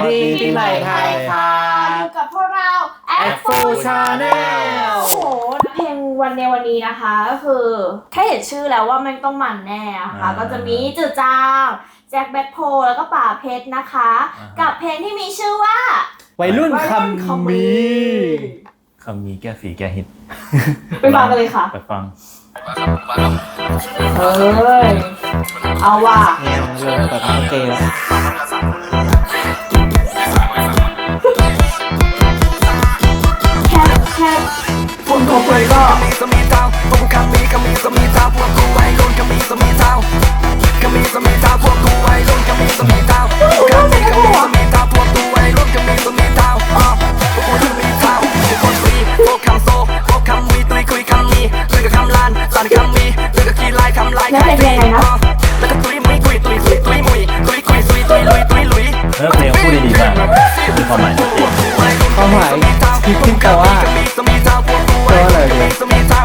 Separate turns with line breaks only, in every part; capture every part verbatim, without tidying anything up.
ดีปีใหม่ไทยครับ
อยู่กับพวกเรา
แอป โฟร์ Channel
โอ้โหเพลงวันในวันนี้นะคะก็คือแค่เห็นชื่อแล้วว่ามันต้องมันแน่นะคะก็จะมีจืดจางแจ็คแบ็คโพแล้วก็ป่าเพชรนะคะกับเพลงที่มีชื่อว่า
วัยรุ่นคำมี
คำมีแก้ฝีแก้หิด
ไปฟังกันเลยค่ะ
ไปฟัง
เฮ้ยเอาว่ะ
เนี่ยเริ่มแบบโอเคแล้ว
แคบแคบคนทั่วไปก็
มีสมีเท้าพวกกูคำมีคำมีสมีเท้าพวกกูไว้รุ่นคำมีสมีเท้าคำมีสมีเท้าพวกกูไว้รุ่นคำมีสมีเท้าคำมีคำมีสมีเท้าพวกกูไว้รุ่นคำมีสมีเท้าอ่ะพวกกูรุ่นมีเท้าพวกคนซีพวกคำโซพวกคำมีตุยคุยคำมีเรื่องกับคำลานสานคำมีเรื่องกับขี้ลายคำลายใครตีอ่ะแล้วก็ตุยมุยคุยตุยตุยตุยมุยตุยคุยตุยตุยลุยตุยลุย
เออเพลงพูดดีมากมีความหมายชัดเจน
ความหมายคิดขึ้นแต่ว่าตัวอะไรเนี่ย
ส่วนมาก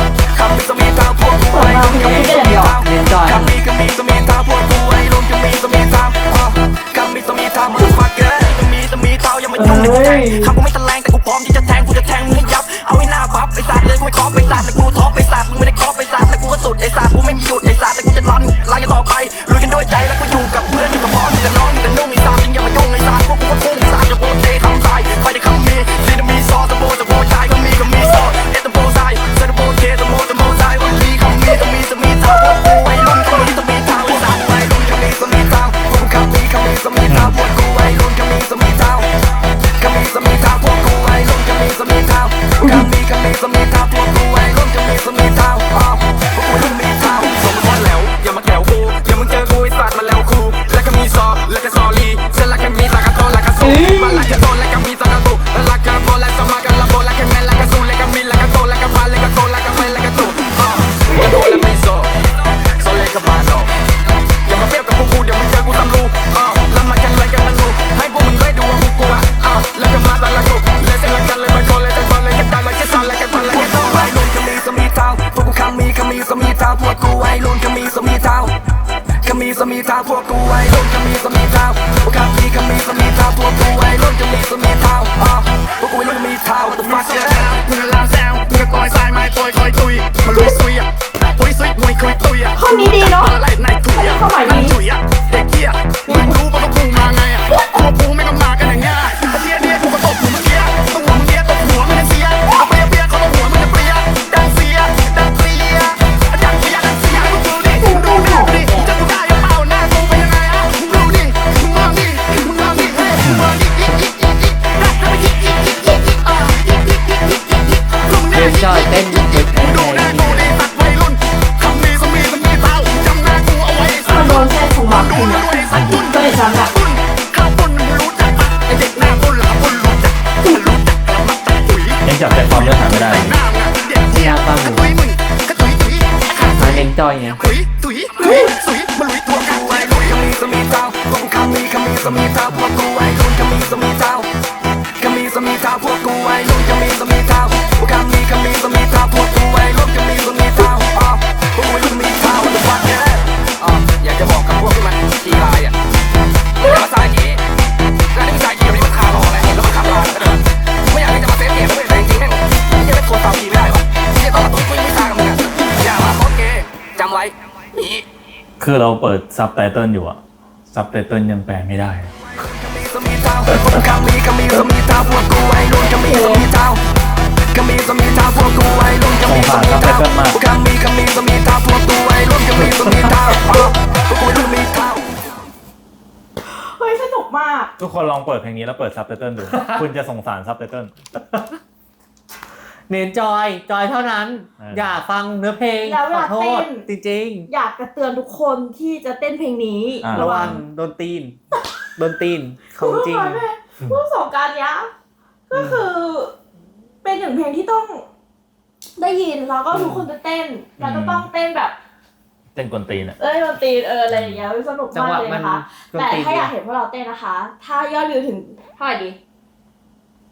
มันก็พูดได้อย่างเดียว
เรียนจอย
คำมีคำมีสมีเท้าพวกกูไอ้ลุงจะมีสมีเท้าคำมีสมีเท้ามึงฟักเกอร์มีสมีเท้ายังไม่ยุ่งเลยกูแทงคำกูไม่ตะแลงแต่กูพร้อมที่จะแทงกูจะแทงมึงให้ยับเอาให้หน้าบัฟไอ้สัตว์เลยกูไม่คอปไอ้สัตว์แต่กูท็อปไอ้สัตว์มึงไม่ได้คอปไอ้สัตว์แต่กูก็สุดไอ้สัตว์กูไม่มีหยุดไอ้สัตว์แต่กูจะรันไล่กันต่อไปลุยกันด้วยใจแล้วกูอยู่กับเพื่อนอยู่กับพ่ออยู่กับน้องอยู่กับนุ่งไอ้สัตว์จริงอย่ามายุ่งไอ้สัตว์พวกกูก็พุ่งไอ้สัตว์จะโปรเจคำตายใครได้คำมีซีนมีซอสตะโบตะโบใจก็มีก็มีซอสเอตะโบใจเซตะโบเจตะโบตะโบใจว่ามีคำมีตะมีตะมีเท้าพวกกูไอ้รุ่นคำมีตะมีเท้าไอ้สัตว์ไอ้รุ่นคำมีตะมีเท้าพวกกูคำมีคำมีตะมีเท้าพวกกูไอ้รุ่นคำมีตะมีเท้าคำมีตะมีเท้าพวกกูไอ้รุ่นคำมีตะมีเท้าคำมีคำมีตะมีเท้าพวกกูไอ้รุ่นคำมีตะมีเท้าอ๋อพวกกูรุ่นมีเท้าส่งมาคนแล้วอย่ามาแกวกูอย่ามึงเจอกูไอ้สัตว์มาแล้วกูแล้วก็มีซอแล้วก็ซอลีเส้นละแค่มีตากระโตแล้วก็สู้มาละแค่โตแล้วก็มีตากระตุแล้วละก็โตแล้วสมากันละโบแล้วแค่แม่แล้วก็สู้แล้วก็มีแล้วก็โตแล้วก็พาแล้วก็โตแล้วก็ไปแล้วก็ตุอ๋อมึงโดนแล้วไม่โซโซเลยก็บานออกอย่ามาเปรียบกับพวกกูเดี๋ยวมึงเจอกูตำรูอ๋อแล้วมากันอะไรกันมันรู้ให้พวกมึงได้ดูว่ากูกลัวอ๋อแล้วก็มาตาละกูเลยเส้นละกันเลยมาโกเลยแต่ตอนเลยแค่ตายเลยแค่ตอนเลยแค่ตอนเลยแค่ตอนไอ้ลุนก็มีสมีเท้าพวกกูคำมีคำมีสมีเท้าพวกกูไอ้ลุนก็มีสมีเท้าคำมีสมีเท้าพวกกูไอ้ลุนก็มีสมีเท้าพวกคำมีคำมีสมีเท้าพวกกูไอ้ลุนก็มีสมีเท้าอ๋อพวกกูไอ้ลุนมีเท้า What the fuck มึงลาแซวมึงก็ต่อยสายไม้ต่อยคอยตุยมาลุยซุยอ่ะตุยซุยมวยคุยตุยอ่ะ
ข้อนี้ดีเนาะ
อะไรในถุยอ่ะมันถุยอ่ะเด็กเหี้ยมึงรู้ป่ะว่ากูมาไงอ่ะพวกกูไม่ก็มากันอย่างเงี้ยเดียเดียกูก็ตบมึงเมื่อกี้ตัวมึงเดียตบหัวมึงเสียเอาเปียเปียเขาตบหัวมึงจะเปียดังเสียดังเสียดังเสียดังเสียมึงดูดิมึงดูดิจะกูได้ยังเปล่าหน้ากูเป็นยังไงอ่ะมึงดูดิมึงมองดิมึงมองดิเฮ้ยมึงมองดิอีอีอีอีรักแล้วอีอีอีอีอีอ่ะอีอีอีอีอีมึง
เรี
เนี่ย
นจอยเต้นเด็กไท
ดูหน้าย กูดิตัดวัยรุ่นคำมีสมีสมีเท้าจำหน้ากูเอาไว้สั
มัน
ก
โดนแค่ของหมาคุณอะก็เลยจำแบบ
ข้าวปุ้นมึงรู้จักปะไอเด็กหน้าปุ้นหลังปุ้นรู้จักรู้จักแล้วมักจะถุย
ยังจับใจความเนื้อหาไม่ได้
หน้ามึงเด็กเหี้ยกระตุยมึงกระตุยตุย
มาเรียนจอยไง
ตุยตุยตุยตุยมาลุยตัวกูไอ้ลุยคำมีสมีเท้าพวกกูคำมีคำมีสมีเท้าพวกกูไอ้ลุยคำมีสมีเท้าคำมีสมีเท้าพวกกูไอ้ลุยคำมีสมีเท้าพวกคำมีคำมีสมีเท้าพวกกูไอ้ลุยคำมีสมีเท้าอ๋อพวกกูไอ้ลุยมีเท้าตัวฟักเนี่ยอ๋ออยากจะบอกกับพวกที่มันขี้ลายอ่ะอย่ามาสายกี้แล้วนี่มันสายกี้วันนี้มันคาร์ลอะไรแล้วมันขับลายก็เดินไม่อยากที่จะมาเซฟเกมด้วยแต่จริงๆแม่งไม่ใช่เป็นคนฟาวกีไม่ได้วะไม่ใช่ตอนละตุ้ยตุ้ยไม่ทางกับมึงอ่ะอย่ามาโคตรเกย์จำไว้นี่
คือเราเปิดซับไตเติลอยู่อะซับไตเติลยังแปลไม่ได้
คำมีสมีเท้าพวกคำมีคำมีสมีเท้าพวกกูไอ้ลุนคำมีสมีเท้าคำมีสมีเท้าพวกกูไอ้ลุนคำมีสมีเท้าพวกคำมีคำมีสมีเท้าพวกกูไอ้ลุนคำมีสมีเท้าพวกกูลุนมีเท้า
เฮ้ยสนุกมาก
ทุกคนลองเปิดเพลงนี้แล้วเปิดซับไตเติลดู คุณจะสงสารซับไตเติล
เน้นจอยจอยเท่านั้น
เออ
อ
อ
ย่าฟังเนื้อเพลง
แล้วเว
ขอ
ลา
โท
เต้
ษ
น
จริง
อยากจะเตือนทุกคนที่จะเต้นเพลงนี้
อ่า
ๆ ระวังโดนตีนโดนตีนของจริง
พวกสงการเนี้ยก็คือ เป็นหนึ่งเพลงที่ต้องได้ยินแล้วก็ทุกคนจะเต้นแล้วก็ต้องเต้นแบบ
เต้นกวนตีนอะ
เอ้ยดนตรีเอออะไรอย่างเงี้ยสนุก
จัง
มาก
หวะ
เลย
มัน
นะคะ
ดน
แต่
ตรี
ถ้าอยากเห็นพวกเราเต้นนะคะ ถ้ายอดวิวถึงเท่าไหร่ดี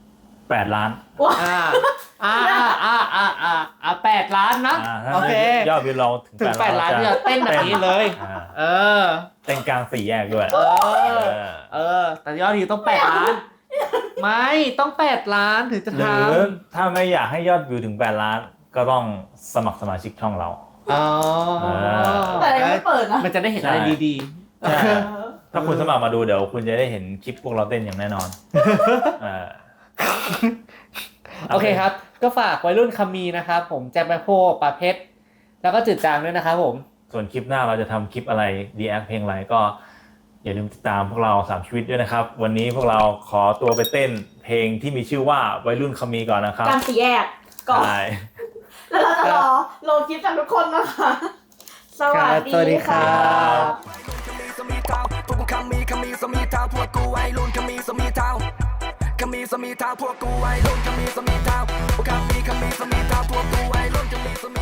แปดล้าน
ว้า
อ่าอ่าอ่าอ่าอ่าอ่าอ่าแปดล้านนะ
อ่าถ้า
โอเค
ยอดวิวเราถึง
ถึงแปดล้าน
จะ
เนี่ยเต้นแบบนี้เลย
อ่า
เออ
เต้นกลางสี่แยกด้วย
เอ
เอ
อ
อ
เออ แต่ยอดวิวต้องแปดล้าน ไม่ต้องแปดล้านถึงจะ
ห
ท
รือถ้าไม่อยากให้ยอดวิวถึงแปดล้าน ก็ต้องสมัครสมาชิกช่องเรา
ำอ๋อ
แต่ยังไม่เปิดนะ
มันจะได้เห็นอะไรดีๆ
ใช่ ถ้าคุณสมัครมาดูเดี๋ยวคุณจะได้เห็นคลิปพวกเราเต้นอย่างแน่นอนเออ
โอเคครับ ก็ฝากวัยรุ่นคำมีนะครับผมแจ็คแบ็คโฮปาเพชรแล้วก็จืดจางด้วยนะครับผม
ส่วนคลิปหน้าเราจะทำคลิปอะไรรีแอคเพลงอะไรก็อย่าลืมติดตามพวกเราสามชีวิตด้วยนะครับ วันนี้พวกเราขอตัวไปเต้นเพลงที่มีชื่อว่าวัยรุ่นคำมีก่อนนะครับ
กลางสี่แยกก่อน
ใช่
แล้วเราจะรอโหลดคลิปจากทุกคนนะคะ สวัสดี
สวัสดีครั
ค่ะ
บ
คำมีสมีเท้าพวกกูคำมีคำมีสมีเท้าพวกกูวัยรุ่นคำมีสมีเท้าคำมีสมีเท้าพวกกูวัยรุ่นคำมีสมีเท้าพวกคำมีคำมีสมีเท้าพวกกูวัยรุ่นคำมีสมี